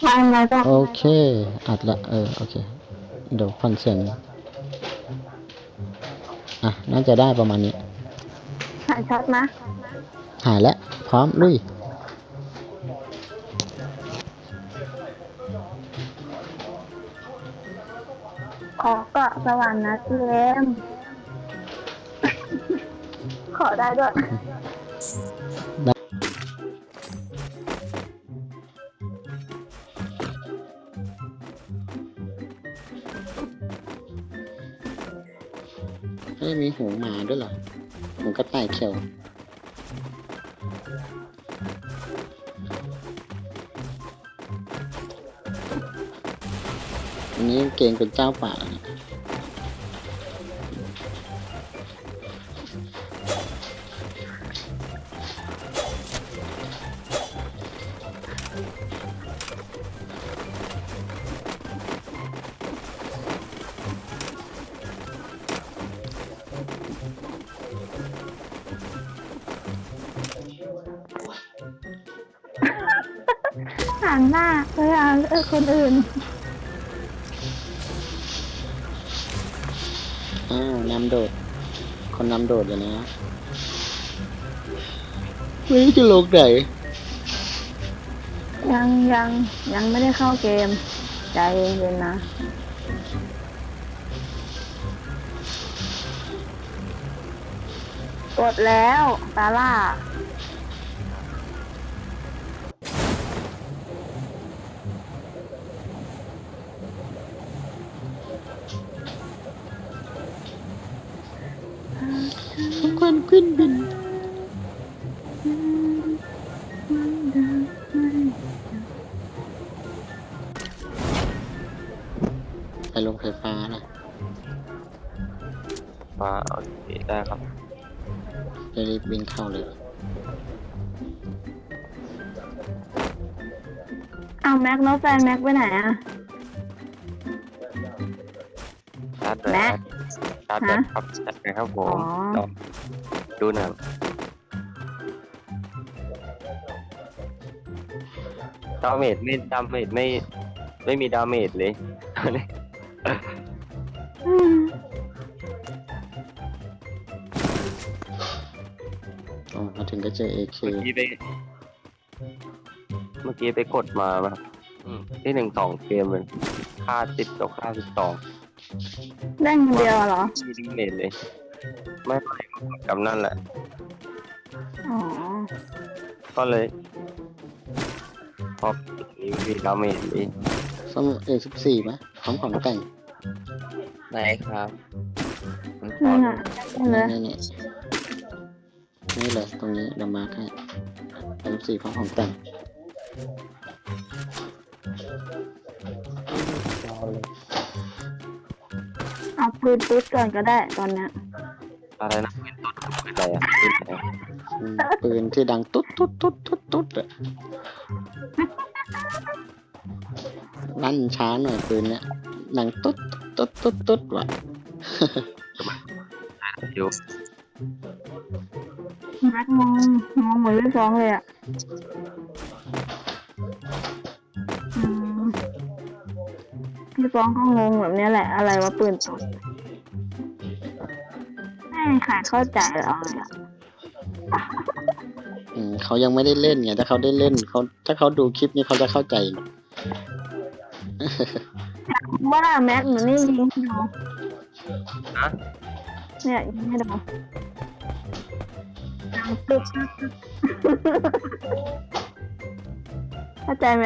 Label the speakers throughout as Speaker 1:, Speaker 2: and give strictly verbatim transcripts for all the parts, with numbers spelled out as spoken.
Speaker 1: มาอะไรก็
Speaker 2: โอเคอัดละเออโอเคเดี๋ยวฟังเสียงอ่ะน่าจะได้ประมาณนี้
Speaker 1: หายช็อตนะ
Speaker 2: หายแล้วพร้อมลุย
Speaker 1: ขอเกาะสวรรค์นะเจมขอได้ด้วย
Speaker 2: เฮ้ยมีหูหมาด้วยเหรอหูกระต่ายเขียวอันนี้เก่งเป็นเจ้าป่านะ
Speaker 1: ห่างหน้าเวลาเออคนอื่น
Speaker 2: อ้าวนำโดดคนนำโดดอยู่นะไม่รู้จะลงไหน
Speaker 1: ยังยังยังไม่ได้เข้าเกมใจเย็นๆนะกดแล้วตาล่า
Speaker 2: ทุกคนขึ้นบินไปลงไฟฟ้านะ
Speaker 3: ฟ้าโอเคได้ครับ
Speaker 2: จะรีบบินเข้าเลย
Speaker 1: อ้าวแม็กแล้วแฟนแม็กไปไหนอ่ะ
Speaker 3: ชาร์จแบ
Speaker 1: แม็
Speaker 3: ต
Speaker 1: ก
Speaker 3: ชาร์จแบตครับชาร์จแบตครับผ
Speaker 1: อ๋อ
Speaker 3: มลองดูหนังดาเมจไม่ดาเมจไม่ไม่มีดาเมจเลยตอนนี้
Speaker 1: อืม
Speaker 2: อ๋อมาถึงก็เจอ เอ เค
Speaker 3: เมื่อกี้ไปเมื่อกี้ไปกดมาแบบที่หนึ่งสองเกมเลยค่าติดตกค่าสิบสอง
Speaker 1: ได้เงินเดียวเหรอ
Speaker 3: มีดาเมจเลย ไม่ไม่กำนั่นแหละ
Speaker 1: อ๋อ
Speaker 3: ก็เลยพอมีมีดาเมจเลย
Speaker 2: ซ่อม เอ สิบสี่ ไหมพร้อมของแต่ง
Speaker 3: ไหนครับ
Speaker 1: นี่อ่ะได้เลย
Speaker 2: นี่นี่นี่เลยตรงนี้เดี๋ยวมาร์คให้ เอ สิบสี่ พร้อมของแต่ง
Speaker 1: เอาปืนตุ๊ดก่อนก็ได้ตอนเนี้ย
Speaker 3: อะไรนะเป็นต้นเป็นอะไรอ่ะเป็นอะไร
Speaker 2: อืมปืนที่ดังตุ๊ดตุ๊ดตุ๊ดตุ๊ดตุ๊ดอะลั่นช้าหน่อยปืนเนี้ยดังตุ๊ดตุ๊ดตุ๊ดตุ๊ดว่ะ
Speaker 3: อยู่
Speaker 1: แม็กมองมองเหมือนลูกสองเลยอ่ะอืมพี่ฟ้องก็งงแบบนี้แหละ อะไรวะปืนตกไม่มีใครเข้าใจเราเลยอ่ะ
Speaker 2: อืมเขายังไม่ได้เล่นไงถ้าเขาได้เล่นเขาถ้าเขาดูคลิปนี้เขาจะเข้าใจ
Speaker 1: ว่าแม็กหนูนี่ยิงให้ดู
Speaker 3: ฮะ
Speaker 1: เนี่ยยิงให้ดูดังตึ๊บเข้าใจไหม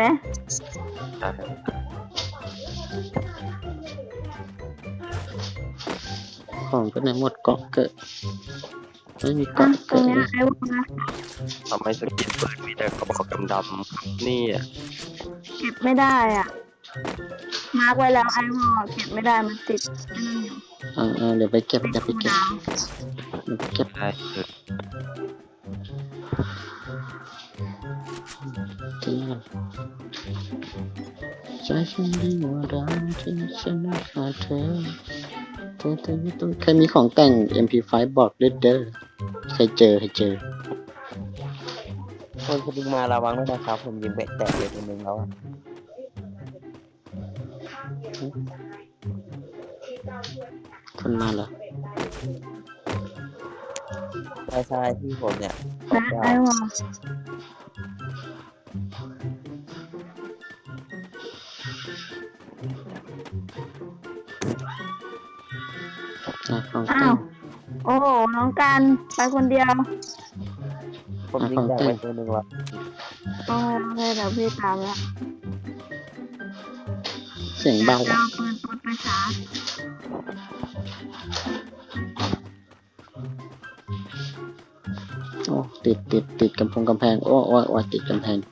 Speaker 2: ของก็ไหนหมดเกาะเกิดไม่มี
Speaker 1: อ่ะ
Speaker 2: เกาะ
Speaker 1: ตร
Speaker 2: เกิ
Speaker 1: ง
Speaker 2: ด
Speaker 1: เนี้ย
Speaker 2: เลย
Speaker 1: ไอ้วงนะ
Speaker 3: ทำไมสกินปืนมีแต่กระบอกดำๆนี่อ่ะ
Speaker 1: เก็บไม่ได้อ่ะ มาร์กไว้แล้วไอ้วอลเก็บไม่ได้มันติดไอ้นั่นอยู่
Speaker 2: อ่าเดี๋ยวไปเก็บเดี๋ยวไปเก็บเดี๋ยวไปเก็บ
Speaker 3: ได้เออ
Speaker 2: ทิ้งกันใจฉันดีว่าเราที่ฉันไม่ขาดเธอเธอเธอไม่ต้องเคยมีของแต่ง เอ็ม พี ไฟว์ บอกเด้อเด้อเคยเจอเคยเจอ
Speaker 3: คนคนนึงมาระวังด้วยนะครับผมยิงแบะแตกเลยคนนึงแล้ว
Speaker 2: คนมาเหรอ
Speaker 4: ใช่ใช่ที่ผมเนี่ย
Speaker 1: นะไอวอล
Speaker 2: อ่ะของ
Speaker 1: อ้า
Speaker 2: เต้
Speaker 1: วน โอ้โหน้องการไปคนเดียว
Speaker 4: ผมยิงจากไปตัวหนึ่งละ
Speaker 1: โอ้ยโอเคเดี๋ยวพี่ตามแล้ว
Speaker 2: เสียงเบา
Speaker 1: จะ
Speaker 2: อ่ะ
Speaker 1: เอาปืนปืนไปชาร์จ
Speaker 2: โอ้ติดติดติดกำพงกำแพง โอ้โอ้โอ้ติดกำแพง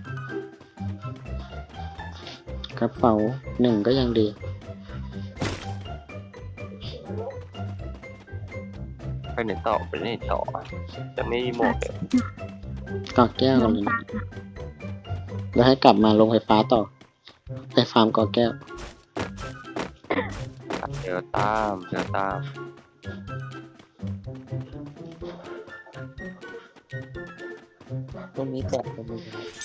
Speaker 2: กระเป๋าหนึ่งก็ยังดี
Speaker 3: ไปไหนต่อไปไหนต่อจะไม่หมดเลย
Speaker 2: กอแก้วกันเลยนะแล้วให้กลับมาลงไฟฟ้าต่อ ไปฟาร์มกอแก้ว
Speaker 3: เดี๋ยวตามเดี๋ยวตาม
Speaker 4: ตรงนี้แตกตรงนี้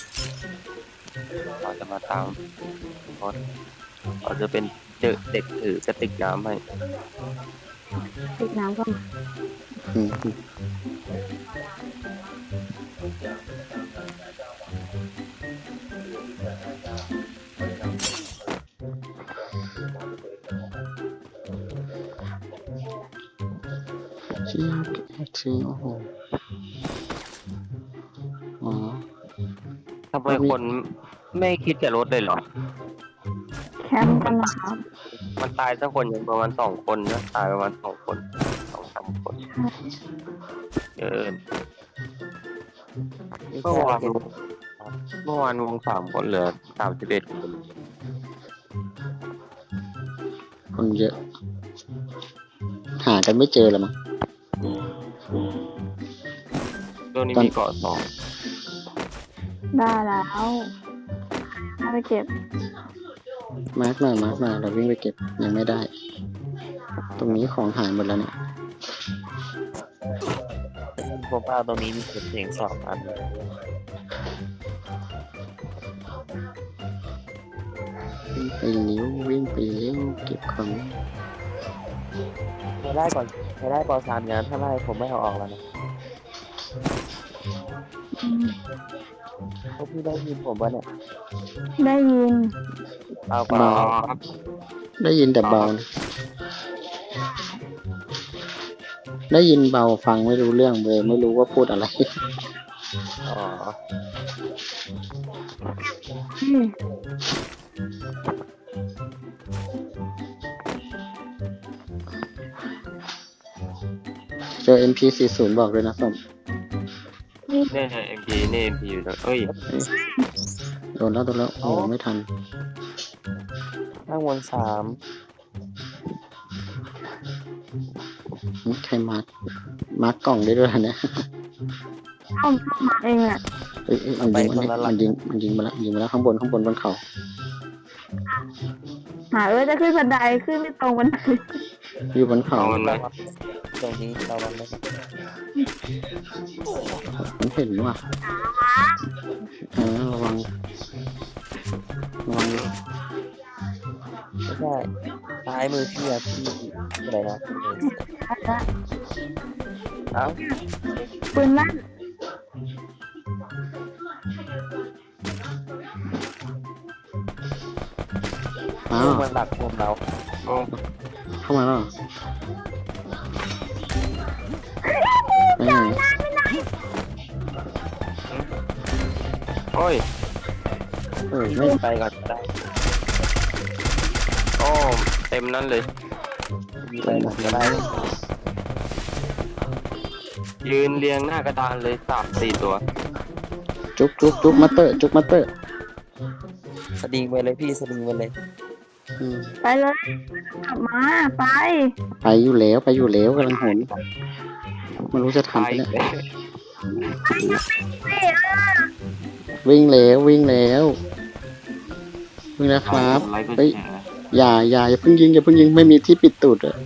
Speaker 3: เราจะมาตามเพราะเราจะเป็นเจอเด็กถือกระติกน้ำให้
Speaker 1: ติดน้ำก็มา
Speaker 2: อืมชี้ชี้โอ้โหอ๋อ
Speaker 3: ทำไมคนไม่คิดจะลดเลยเหรอ
Speaker 1: แคมป์กันนะครับ
Speaker 3: มันตายสักคนยังประมาณสองคนนะตายประมาณสองคนสองสามคนเกิน
Speaker 4: นี่
Speaker 3: เมื่อ
Speaker 4: แค่
Speaker 3: วาน
Speaker 4: เก็บ
Speaker 3: เมื่อวานวงสามคนเหลือสามสิบเอ็ดคน
Speaker 2: คนเยอะ หากันไม่เจอแล้วมั้ง
Speaker 3: เรื่องนี้
Speaker 2: ตอน
Speaker 3: มีเกาะสอง
Speaker 1: ได้แล้วได้ไปเก็บ
Speaker 2: มาร์กหน่อยมาร์กหน่อยเราวิ่งไปเก็บยังไม่ได้ ตรงนี้ของหายหมดแล้วเนี่ย
Speaker 4: ผมเอาตรงนี้มีเสียงสองอัน
Speaker 2: วิ่งไปนิ้ววิ่งไปเลี้ยวเก็บของ
Speaker 4: ไม่ได้ก่อนไม่ได้ปอสามงานถ้าไล่ผมไม่เอาออกแล้วนะ
Speaker 1: อืม
Speaker 4: พวกพี่ได้ยินผมปะเนี่ย
Speaker 1: ได้ยิน
Speaker 4: เอา
Speaker 3: อ๋
Speaker 4: ก่
Speaker 3: อ
Speaker 4: อน
Speaker 2: ได้ยินแต่เบานะได้ยินเบาฟังไม่รู้เรื่องเลยไม่รู้ว่าพูดอะไร
Speaker 4: อ๋อ
Speaker 1: อืม
Speaker 2: เจอ เอ็ม พี สี่สิบ บอกเลยนะส้ม
Speaker 3: เนี่ยเอ็มพีเนี่ยเอ็มพีอยู่นะเอ้ย
Speaker 2: โดนแล้วโดนแล้วโอ้โหไม่ทัน
Speaker 4: ข้างบนสาม
Speaker 2: หึใครมาร์กมาร์กกล่องได้ด้วยนะ
Speaker 1: เข้าเข้ามาเองอ่ะ
Speaker 2: เอ้ยเอ้ยมันยิงมันยิงมันยิงมันยิงมาแล้วยิงมาแล้วข้างบนข้างบนบนเขา
Speaker 1: หาเออจะขึ้นบันไดขึ้นไม่ตรงบันได
Speaker 2: อยู่บนเขา
Speaker 3: เอามันไหม
Speaker 4: ตรงนี้เราวันนี้
Speaker 2: มันเห็นว่ะเออระวังระวัง
Speaker 4: ไม่ใช่ซ้ายมือพี่อะพี่อะไรนะเอ้า
Speaker 1: ปืนลั่น
Speaker 2: อ้าว
Speaker 4: มันหลักผมเรา
Speaker 3: โอ้
Speaker 2: เข้ามาแล้วเหรอไปไหน
Speaker 3: โอ้ย
Speaker 2: เออไม่
Speaker 4: ไปก่อนก็ได้
Speaker 3: โอ้เต็มนั้นเลย
Speaker 4: มีไปก่อนก็ได้
Speaker 3: ยืนเรียงหน้ากระดานเลยสามสี่ตัว
Speaker 2: จุกจุกจุกมาเตอร์จุกมาเตอร์
Speaker 4: สลิงไปเลยพี่สลิงไปเลย
Speaker 2: อืม
Speaker 1: ไปเลยกลับมาไป
Speaker 2: ไปอยู่แล้วไปอยู่แล้วกำลังหนไม่รู้จะทัน
Speaker 3: ตาย
Speaker 2: ไป
Speaker 3: อี
Speaker 2: เนี่ย
Speaker 3: กแล้ว
Speaker 2: วิ่งแล้ววิ่งแล้ววิ่งแล้วครับ
Speaker 3: ไลค์ก็
Speaker 2: เฮ้ย
Speaker 3: แชร์
Speaker 2: อย่าอย่าอย่าเพิ่งยิงอย่าเพิ่งยิงไม่มีที่ปิดตูดอะ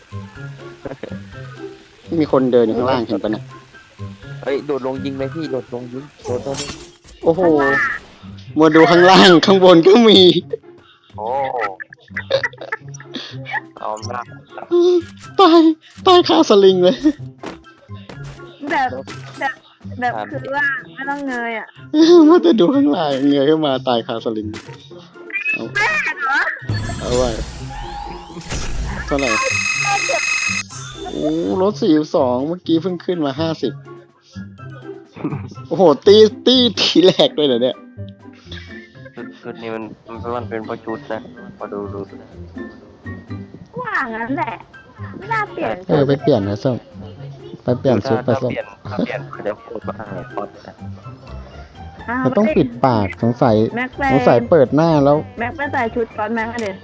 Speaker 2: มีคนเดินอยู่ข้างล่างเห็นปะเนี่ย
Speaker 4: เฮ้ยโดดลงยิงเลยพี่โดดลงยิงโดดลงยิง
Speaker 2: โอ้โหมาดูข้างล่างข้างบนก็มี
Speaker 3: โอ้เอาหน้า
Speaker 2: ตายตายคาสลิงเลย
Speaker 1: แบบแบบแบบคือว่าไม่ต้องเงยอ่ะ
Speaker 2: ว่าจะดูข้างหลังเงยขึ้นมาตายคาสลิงเอา
Speaker 1: แม่เหรอ
Speaker 2: เอาไว้เท่าไหร่โอ้รถสี่สองเมื่อกี้เพิ่งขึ้นมาห้าสิบโอ้โหตีตีทีแรกเลยเหรอเนี่ย
Speaker 3: ชุดชุดนี้มันมันมันเป็นเพราะชุดนะมาดูดู
Speaker 1: ว่างั้นแหละ ไม่น่าเปลี่ยน
Speaker 2: เออไปเปลี่ยนนะส้มไปเปลี่ยนชุดไป
Speaker 3: ถ้า
Speaker 2: ส้ม
Speaker 3: เปลี่ยนถ้าเปลี่ยนเขาจะพูดว่าหายพอดนะ
Speaker 1: อ้าว
Speaker 2: มันต้องปิดปากสงสัย
Speaker 1: แม็กไป
Speaker 2: สงสัยเปิดหน้าแล้ว
Speaker 1: แม็กไปใส่ชุดก้อนแม็กอะเด็ด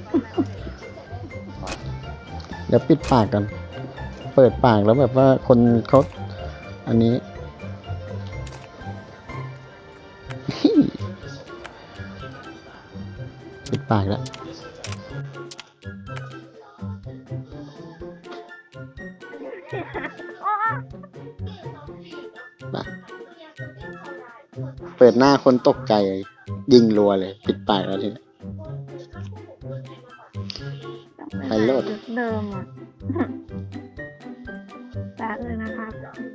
Speaker 2: เดี๋ยวปิดปากกัน เปิดปากแล้วแบบว่าคนเขาอันนี้ ปิดปากแล้ว เปิดหน้าคนตกใจยิงรัวเลย ปิดปากแล้วทีนี้ ไปโลด
Speaker 1: ชุดเดิมอ่ะแป๊บเลยนะครับ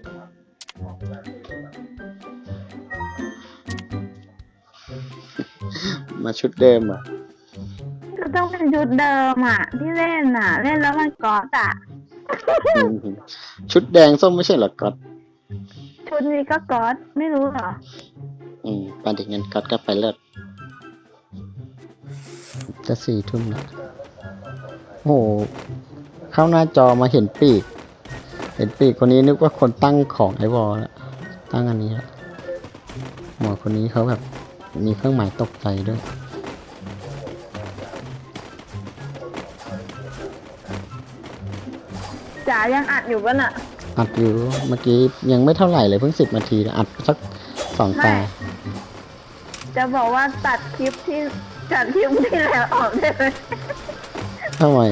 Speaker 2: มาชุดเดิมอ่ะ
Speaker 1: ก็ต้องเป็นชุดเดิมอ่ะ ที่เล่นอ่ะ เล่นแล้วมันกอดอ่ะ
Speaker 2: อืมชุดแดงส้มไม่ใช่เหรอก๊อต
Speaker 1: ชุดนี้ก็กอดไม่รู้เหรอ
Speaker 2: อืมปานเด็กเงินก๊อตก็ไปเลิศจะสี่ทุ่มแล้วโอ้โหเข้าหน้าจอมาเห็นปีก เห็นปีกคนนี้นึกว่าคนตั้งของไอวอลแล้วตั้งอันนี้แล้วหมอคนนี้เขาแบบมีเครื่องหมายตกใจด้วย
Speaker 1: จ๋ายังอัดอยู่ป่ะน่ะ
Speaker 2: อัดอยู่เมื่อกี้ยังไม่เท่าไหร่เลยเพิ่งสิบนาทีนะอัดสักสองตา
Speaker 1: จะบอกว่าตัดคลิปที่ตัดคลิปที่แล้วออกได้ไหม
Speaker 2: ทำไม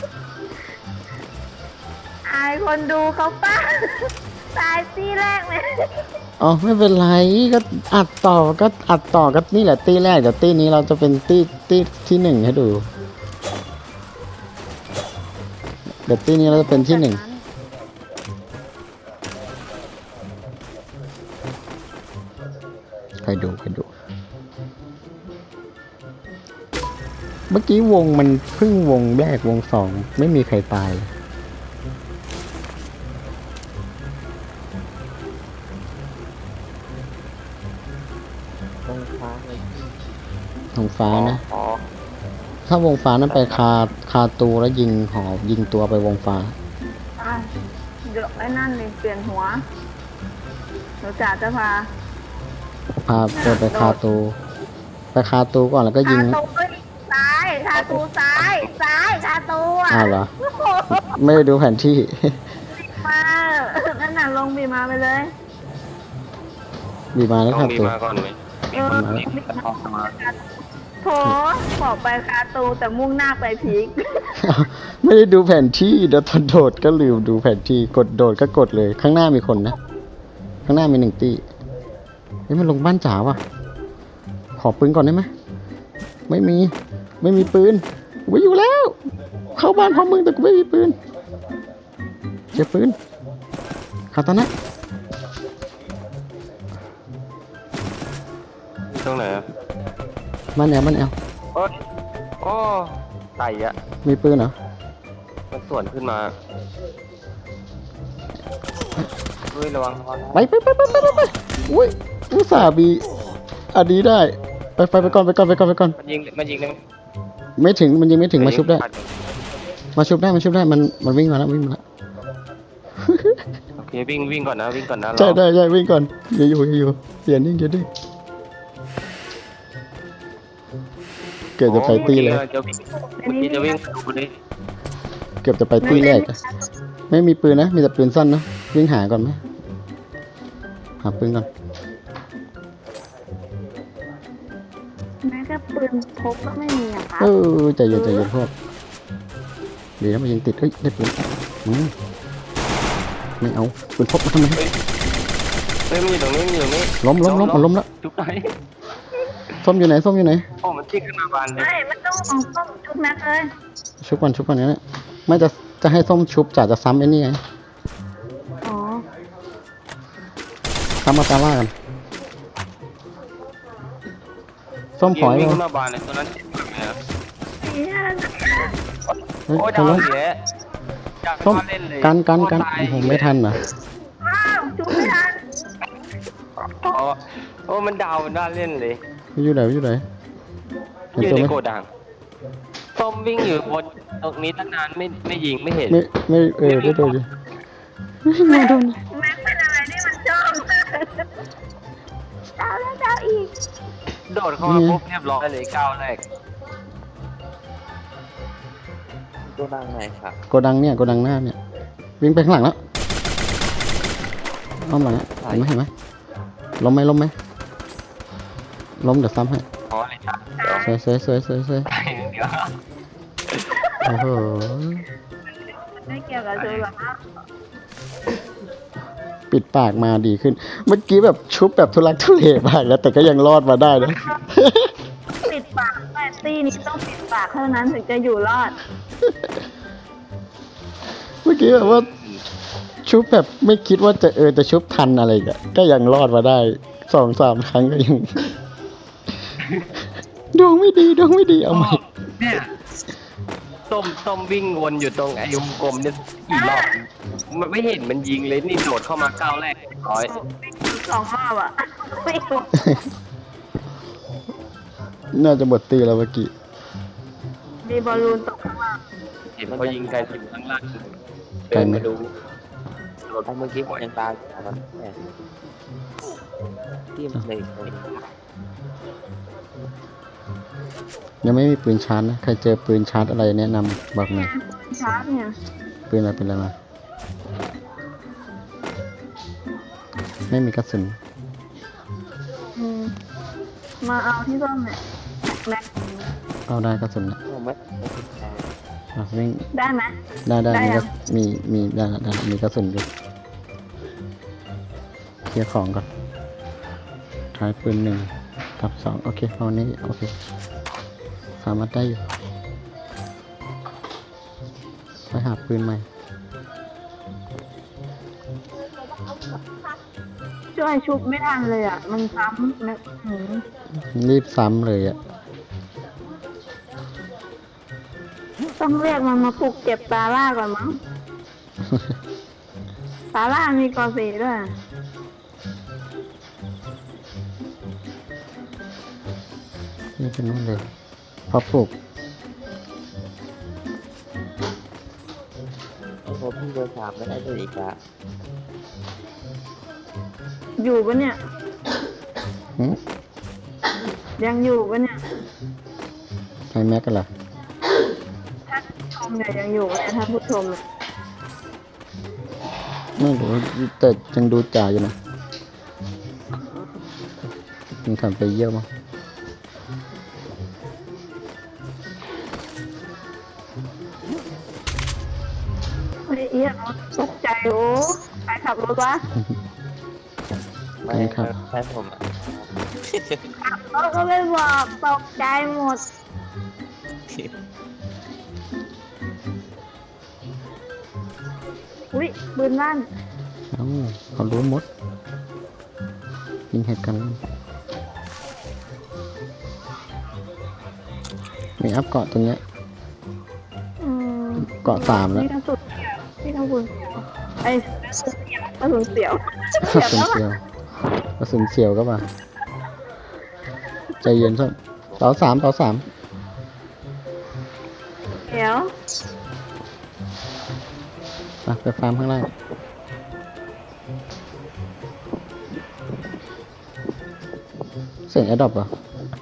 Speaker 1: อายคนดูเขาป้าตายที่แรกเลย
Speaker 2: อ๋อไม่เป็นไรก็อัดต่อก็อัดต่อก็นี่แหละตีแรกเดี๋ยวตีนี้เราจะเป็นตีตีที่หนึ่งให้ดูเดี๋ยวตีนี้เราจะเป็นที่หนึ่งใครดูใครดู เมื่อกี้วงมันเพิ่งวงแรกวงสองไม่มีใครตายเลย
Speaker 4: ตรงฟ้าเลย
Speaker 2: วงฟ้านะ
Speaker 3: อ๋อ
Speaker 2: ถ้าวงฟ้านั้นไปคาคาตูแล้วยิงหอบยิงตัวไปวงฟ้า
Speaker 1: อ้าวเดี๋ยวไอ้นั่นเลยเปลี่ยนหัวหนูจ๋าจะพา
Speaker 2: พาเดินไปคาตู ไปคาตูก่อนแล้วก็ยิ
Speaker 1: คาง ตูซ้ายคาตูซ้ายซ้ายคาตูอ่ะ
Speaker 2: อ้าวเหรอ
Speaker 1: โอ้โห
Speaker 2: ไม่ได้ดูแผนที่
Speaker 1: มานั่นน่ะลงบีมาไปเลย
Speaker 2: บีมาแล้ว
Speaker 3: ต้อ
Speaker 2: คาง
Speaker 3: มี
Speaker 2: ตู
Speaker 3: มาก่อนไหม
Speaker 1: เออ
Speaker 2: มาแล้ว
Speaker 3: ออกมา
Speaker 1: โถบอกไปคาตูแต่มุ่งหน้าไปพีก
Speaker 2: ไม่ได้ดูแผนที่เดี๋ยวตอนโดดก็ลืมดูแผนที่กดโดดก็กดเลย ข้างหน้ามีคนนะ ข้างหน้ามีหนึ่งตีเฮ้ยมันลงบ้านจ๋าว่ะ ขอปืนก่อนได้ไหมไม่มี ไม่มีปืนไว้อยู่แล้ว เข้าบ้านพร้อมมึงแต่กูไม่มีปืนเก็บปืนคาตานะ
Speaker 3: ตรงไหนอะ
Speaker 2: บ้านแอลบ้านแอล
Speaker 3: โอ้ยโอ้ไก่อะ
Speaker 2: มีปืนเหรอ
Speaker 3: มันส่วนขึ้นมาเฮ้ยระวังระวัง
Speaker 2: ไปไปไปไปไปไปไปอุ้ยอุตส่าห์มีอันนี้ได้ ไปไปไปก่อนไปก่อนไปก่อนไปก่อน
Speaker 3: มันยิงมันยิงได้ไหม
Speaker 2: ไม่ถึงมันยังไม่ถึงมาชุบได้ มาชุบได้มาชุบได้มันมันวิ่งมาแล้ววิ่งมาแล้ว
Speaker 3: โอเควิ่งวิ่งก่อนนะวิ่งก่อนนะ
Speaker 2: ใช่
Speaker 3: เรา
Speaker 2: ได้ใช่วิ่งก่อนอย่าอยู่อย่าอยู่อย่านิ่งอย่านิ่งเกือบจะไปตีเลย
Speaker 3: โอ้เมื่อกี้จะวิ่งเมื่อกี้จะวิ่งดูดิ
Speaker 2: เกือบจะไปตีแรกอะไม่มีปืนนะมีแต่ปืนสั้นเนอะวิ่งหาก่อนไหมหาปืนก่อน
Speaker 1: แม้ก็ปืนพกก็ไม่มีอะค่ะ
Speaker 2: เออใจเย็นใจเย็นพวกดีนะมันยังติดเฮ้ยได้ปืนอืมไม่เอาปืนพกมาทำไม
Speaker 3: เฮ้ยมันอยู่ตรงนี้มันอยู่ตรงนี้
Speaker 2: ล้มล้มล้มเอาล้มแล้ว
Speaker 3: จุ๊บไหน
Speaker 2: ส้มอยู่ไหนส้มอยู่ไหน
Speaker 3: โอ้มันที่ขึ้นมาบานเลย
Speaker 1: ไม่มันต้องของต้องชุบแม็กเลย
Speaker 2: ชุบก่อนชุบก่อนนี่แหละไม่จะจะให้ส้มชุบจ่าจะซ้ำไอ้นี่ไง
Speaker 1: อ๋อ
Speaker 2: ซ้ำมาตาว่ากันส้มขอ
Speaker 3: วิ่
Speaker 2: ให้
Speaker 3: ง
Speaker 2: เรา
Speaker 3: ขึ้นมาบานเลยตัวนั้นเจ็บมากเลยนะ
Speaker 1: เนี่ย
Speaker 2: เฮ้ย
Speaker 3: โอ้ย
Speaker 2: ทะ
Speaker 3: ดาว
Speaker 2: ลุ
Speaker 3: เสียอยาก
Speaker 2: ส้ม
Speaker 3: มาเล่นเลย
Speaker 2: กันกันกัน
Speaker 3: โอ้ตาย
Speaker 2: ผมไม่ทันเหรอ
Speaker 1: ว้าวชุบไม่ทัน
Speaker 3: อ๋อโอ้มันดาวมันน่าเล่นเลย
Speaker 2: อยู่ไหนอยู่ไหนเห็น
Speaker 3: อยู่
Speaker 2: ตัว
Speaker 3: ใน
Speaker 2: ไหม
Speaker 3: โกดังส้มวิ่งอยู่บนตรงนี้ตั้งนานไม่ไม่ยิงไม่เห็น
Speaker 2: ไม่ไม่เออได้โดนอยู่ไม่โดน
Speaker 1: แม็กเป็นอะไรที่มันชอบดาวแล้วดาวอีก
Speaker 3: โดดเข้ามาปุ๊บเรียบร้อยเลยก้าวแรก
Speaker 4: ตัวดังไหนครับ
Speaker 2: โกดังเนี่ยโกดังหน้าเนี่ยวิ่งไปข้างหลังแล้วอ้อมหลังอะเห็นไหมเห็นไหมล้มไหมล้มไหมล้มเดี๋ยวซ้ำให้
Speaker 3: อ๋อเลยจ้ะเดี๋ยว
Speaker 2: สวยสวยสวยสวยสวย
Speaker 3: ตายเดี๋ยว
Speaker 2: โอ้โห
Speaker 1: ไม่เกี่ยวกับชุบหรอกนะ
Speaker 2: ปิดปากมาดีขึ้น เมื่อกี้แบบชุบแบบทุลักทุเลมากแล้วแต่ก็ยังรอดมาได้นะ
Speaker 1: ปิดปากแม่ตี้นี้ต้องปิดปากเท่านั้นถึงจะอยู่รอด
Speaker 2: เมื่อกี้แบบว่า ชุบแบบไม่คิดว่าจะเออจะชุบทันอะไรกันก็ยังรอดมาได้สองสามครั้งก็ยัง ดวงไม่ดีดวงไม่ดีเอาใหม่
Speaker 3: เนี่ยส้มส้มวิ่งวนอยู่ตรงไอ้วงกลมเนี่ยกี่รอบมันไม่เห็นมันยิงเลยนี่โดดเข้ามาก้าวแรกร้อย
Speaker 1: สองรอบอ่ะไม่ถูก
Speaker 2: น่าจะหมดตีแล้วเมื่อกี้
Speaker 1: มีบอลลูนตกข้างล่าง
Speaker 3: เห็นเขายิงกันอยู่ข้างล่างเดินมาดูโดด
Speaker 4: ไอ้เมื่อกี้ผมยังตายอยู่มันแม่ที่มันเลยคน
Speaker 2: ยังไม่มีปืนชาร์จนะใครเจอปืนชาร์จอะไรแนะนำบอกหน่อย
Speaker 1: ชาร์จเนี่ย
Speaker 2: ปืนอะไรเป็นอะไรมาไม่มีกระสุน
Speaker 1: อืมมาเอาที่ส้มเนี่ยแม็ก
Speaker 2: เอาได้กระสุนนะ
Speaker 4: ผมไม่
Speaker 2: อ่ะวิ่ง
Speaker 1: ได้ไหม
Speaker 2: ได้ได้
Speaker 1: ได้
Speaker 2: มี
Speaker 1: ยั
Speaker 2: กระ
Speaker 1: ง
Speaker 2: มีมีได้ได้มีกระสุนอยู่เคลียร์ของก่อนท้ายปืนหนึ่งกับสองโอเคเอานี้โอเคสามารถได้อยู่ไปหาปืนใหม่
Speaker 1: ช่วยชุบไม่ทันเลยอ่ะ มันซ้ำแม็กหืม
Speaker 2: รีบซ้ำเลยอ่ะ
Speaker 1: ต้องเรียกมันมาปลุกเก็บตาล่าก่อนมั้ง ตาล่ามีกอสีด้วย
Speaker 2: นี่เป็นนู่นเลยพอปลูก
Speaker 4: พอพี่เบอร์สามไม่ได้เลยอีกอะ
Speaker 1: อยู่ปะเนี่ย
Speaker 2: หืม
Speaker 1: ยังอยู่ปะเนี่ย
Speaker 2: ไอแม็กกันเหรอ
Speaker 1: ถ้าชมเนี่ยยังอยู่เนี่ยถ้าผู้ชมเนี่ย
Speaker 2: ไม่รู้แต่ยังดูจ่าอยู่นะยังทำไปเยี่ยมมั้ง
Speaker 1: เฮ้ยเอียตกใจโอ้ใครขับรถวะ
Speaker 4: ไม่ใช่ผมอะ
Speaker 1: เขาก็ไม่บอกตกใจหมด อุ้ยปืนลั่น
Speaker 2: เอ้าเขารู้หมดยิงเหตุกันแล้วมีอัพเกาะตรงเนี้ย
Speaker 1: อืม
Speaker 2: เกาะสามแล้ว
Speaker 1: นี่กระสุนเสียวนี่กระสุนเสียวไอ้กระสุนเสียว
Speaker 2: กระสุนเสียวกระสุนเสียวก็มาใจเย็นสักต่อสามต่อสาม
Speaker 1: เสียว
Speaker 2: ไปไปฟาร์มข้างล่างเสียงแอดดอปเหรอ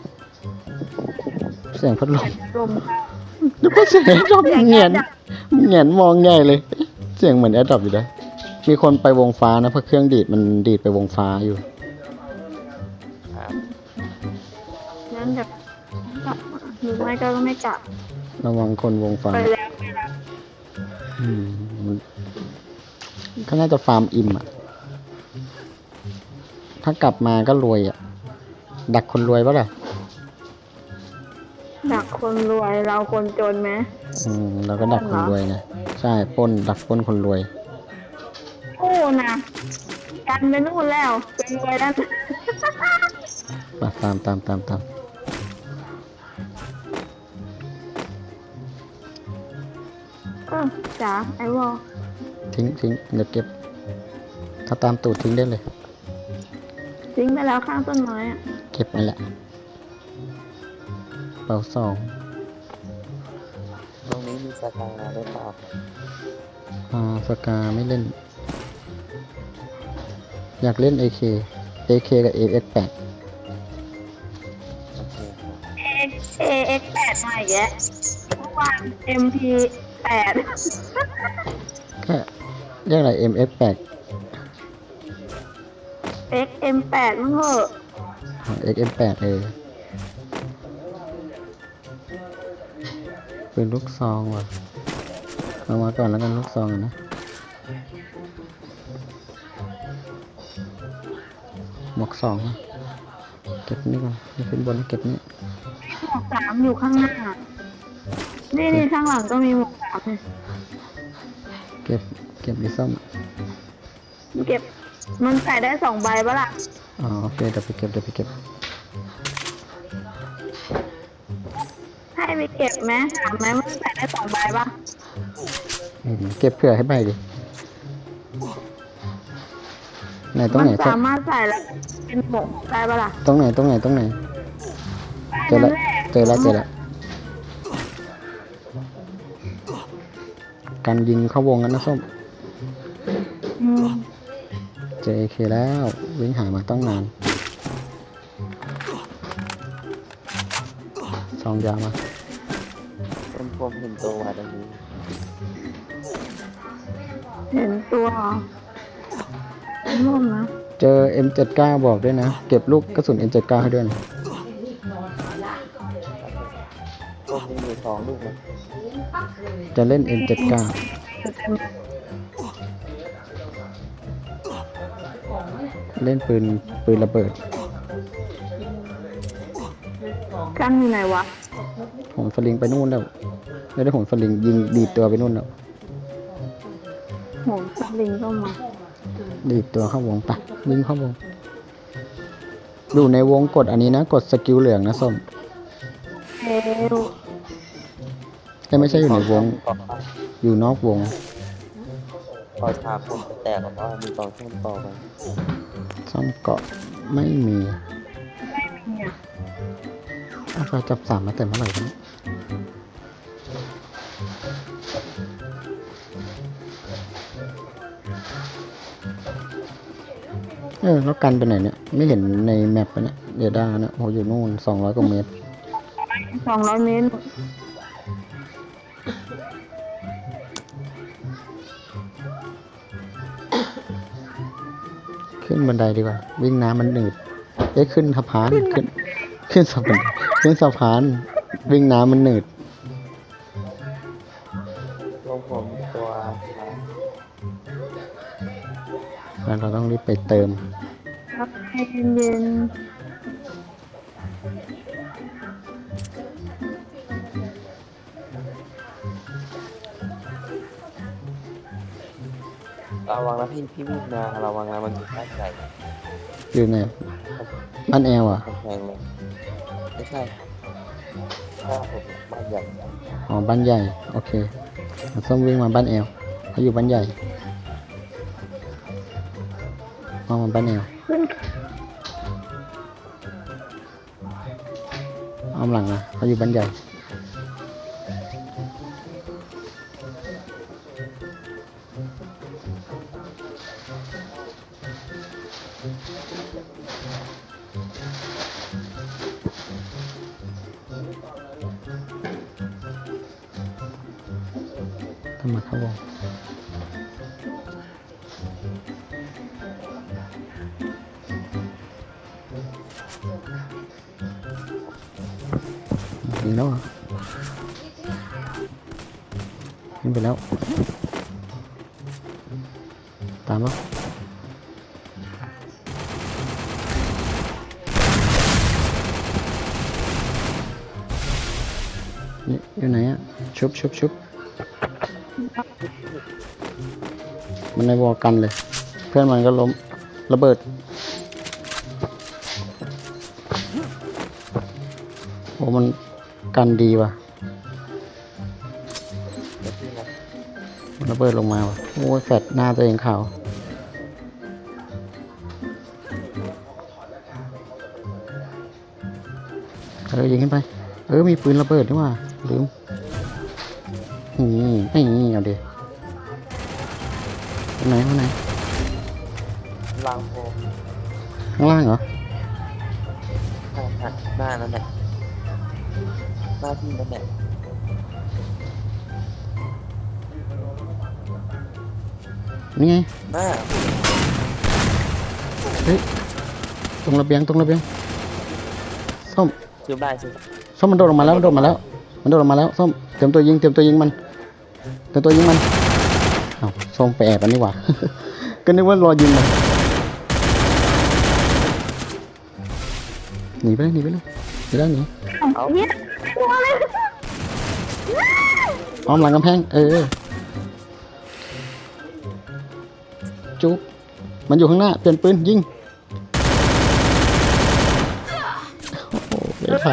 Speaker 2: เสียงพัดลม
Speaker 1: ลมค่ะ
Speaker 2: นึกว่าเสียงแอดดอปเหงียนเหงียนมองใหญ่เลย เสียงเหมือนแอดดอปอยู่นะมีคนไปวงฟ้านะเพราะเครื่องดีดมันดีดไปวงฟ้าอยู่
Speaker 4: ครับ
Speaker 1: งั้นจะกลับมาหรือไม่ก็ไม่กลับ
Speaker 2: ระวังคนวงฟ้า
Speaker 1: ไปแล้วไปแล้ว
Speaker 2: อืมมันเขาน่าจะฟาร์มอิ่มอ่ะ ถ้ากลับมาก็รวยอ่ะ ดักคนรวยปะล่ะ
Speaker 1: ดักคนรวยเราคนจนไหม
Speaker 2: อืมเราก็ดักคนรวยนะใช่ปล้นดักปล้นคนรวย
Speaker 1: โอ้นะกันไปนู่นแล้วเป็นรวยแล้ว
Speaker 2: มาตามตามตามตาม
Speaker 1: เออจ๋าไอวอล
Speaker 2: ทิ้งทิ้งเดี๋ยวเก็บ ถ้าตามตูดทิ้งได้เลย
Speaker 1: ทิ้งไปแล้วข้างต้นไม้อะ
Speaker 2: เก็บนั่นแหละเป่าสอง
Speaker 4: ตรงนี้มีสกาหรือเปล่า
Speaker 2: อ่าสกาไม่เล่น อยากเล่น เอ เค เอ เค กับ เอ เอ็กซ์ แปด
Speaker 4: โอเคครับ
Speaker 1: เอเอเอ็กแปดมาอีกแล้วเมื่อวานเอ็มพีแปด
Speaker 2: แค่เรียกอะไร เอ็ม เอฟ แปด
Speaker 1: เอ็กเอ็มแปดมั้งเหอะ
Speaker 2: เอ็กซ์ เอ็ม แปด เออเป็นลูกซองว่ะเอามาก่อนแล้วกันลูกซองอะนะ หมวกสองนะเก็บนี่ก่อนนี่ขึ้นบนเก็บนี่
Speaker 1: หมวกสามอยู่ข้างหน้า นี่นี่ข้างหลังก็มีหมวกสามเลย
Speaker 2: เก็บเก็บดิส้ม
Speaker 1: เก็บมันใส่ได้สองใบปะล่ะ
Speaker 2: อ๋อโอเคเดี๋ยวไปเก็บเดี๋ยวไปเก็บ
Speaker 1: ให้ไปเก็บไหมถามไหมว่ามันใส่ได้สองใบปะ
Speaker 2: อืมเก็บเผื่อให้ใบดิไหนตรง
Speaker 1: มั
Speaker 2: ไหน
Speaker 1: สามารถใส่แล้วเป็นหมวกได้ปะล่ะ
Speaker 2: ตรงไหนตรงไหนตรงไหนเจอ
Speaker 1: ได้
Speaker 2: แล้ว
Speaker 1: นั่นแหละ
Speaker 2: เจอแล้วเจอแล้วการยิงเข้าวงกันนะส้ม
Speaker 1: อืม
Speaker 2: เจอ เอ เค แล้ววิ่งหามาต้องนานซองยามา
Speaker 4: เป็นผมเห็นตัววาตรงนี้
Speaker 1: เห็นตัวร่วมนะ
Speaker 2: เจอ เอ็ม เจ็ดสิบเก้า บอกด้วยนะ เก็บลูกกระสุน เอ็ม เจ็ดสิบเก้า ให้ด้วยนะ
Speaker 4: ผมมีอยู่สองลูกนะ
Speaker 2: จะเล่น เอ็ม เจ็ดสิบเก้า เล่นปืนปืนระเบิด
Speaker 1: กันอยู่ไหนวะ
Speaker 2: โหนสลิงไปนู่นแล้วไม่ได้โหนสลิงยิงดีดตัวไปนู่นแล้ว
Speaker 1: โหนสลิงเข้ามา
Speaker 2: ดีดตัวเข้าวงไปวิ่งเข้าวงอยู่ในวงกดอันนี้นะ กดสกิลเหลืองนะส้ม
Speaker 1: เอว
Speaker 2: แต่ไม่ใช่อยู่ในวง
Speaker 4: ต่อไป
Speaker 2: อยู่นอกวง
Speaker 4: พอชาผมจะแตกเพราะว่ามีกองช่วงต่อไป
Speaker 2: ซ่อมเกาะไม่มี
Speaker 1: ไม่มีอ่ะ
Speaker 2: อาไฟจับสามมาแต่เมื่อไหร่วะเนี่ยเออแล้วกันไปไหนเนี่ย ไม่เห็นในแมปปะเนี่ยเดด้าเนี่ยโอ้อยู่นู่นสองร้อยกว่าเมตร
Speaker 1: สองร้อยเมตร
Speaker 2: ขึ้นบันไดดีกว่า วิ่งน้ำมันหนืดเอ๊ะขึ้นสะพานขึ้น ขึ้นสะพานขึ้นสะพาน วิ่งน้ำมันหนืด
Speaker 4: ตัวผมตัวชา
Speaker 2: แล้วเราต้องรีบไปเติม
Speaker 1: ครับให้เย็น
Speaker 4: ระวังนะพี่พี่วิ่งมาระวังนะมันอยู่ด้านใหญ่
Speaker 2: อยู่ไหนบ้านแอลอ่ะ
Speaker 4: กำแพงเลยไม่ใช่ถ้าผมบ้านใหญ่
Speaker 2: อ๋อบ้านใหญ่ โอเคเราส้มวิ่งมาบ้านแอลเขาอยู่บ้านใหญ่เอามาบ้านแอล
Speaker 1: ๆขึ้น
Speaker 2: เอาหลังนะเขาอยู่บ้านใหญ่ทำมาเข้าวงยิงแล้วเหรอยิงไปแล้ว ตามแล้วนี่อยู่ไหนอะชุบชุบชุบมันในวอลกันเลย เพื่อนมันก็ล้มระเบิดโอ้มันกันดีว่ะ
Speaker 4: เดี๋ยวพี่นะ
Speaker 2: มันระเบิดลงมาว่ะโอ้ยแฟดหน้าตัวเองขาวเออยิงขึ้นไปเออมีปืนระเบิดด้วยว่ะลืมนี่ไม่นี่เอาดิตรงไหนตรงไหน
Speaker 4: ลางโพ
Speaker 2: ข้างล่างเหรอ
Speaker 4: ข้างหักหน้านั่นแหละหน้าพี่นั่นแหละ
Speaker 2: นี่ไง
Speaker 4: หน้า
Speaker 2: เฮ้ยตรงระเบียงตรงระเบียงส้ม
Speaker 4: ซื้อได้ซื้อ
Speaker 2: ส้มมันโดดลงมาแล้วมันโดดมาแล้ว มันโดดลงมาแล้วส้มเตรียมตัวยิงเตรียมตัวยิงมันเตรียมตัวยิงมันเอ้าส้มไปแอบมันนี่หว่า ก็นึกว่ารอยิงมันหนีไปเลยหนีไปเลยหนีได้หนี
Speaker 4: เอา
Speaker 1: เฮียตัวอะไร
Speaker 2: อ้อมหลังกำแพงเออจุ๊บมันอยู่ข้างหน้าเปลี่ยนปืนยิงโอ้โหไม่ทัน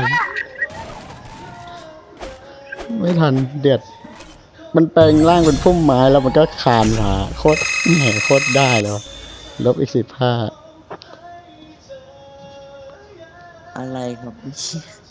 Speaker 2: ไม่ทันเดือดมันแปลงร่างเป็นพุ่มไม้แล้วมันก็คานมาโคตรแหมโคตรได้แล้วลบอีกสิบห้า
Speaker 4: อะไรครับพี่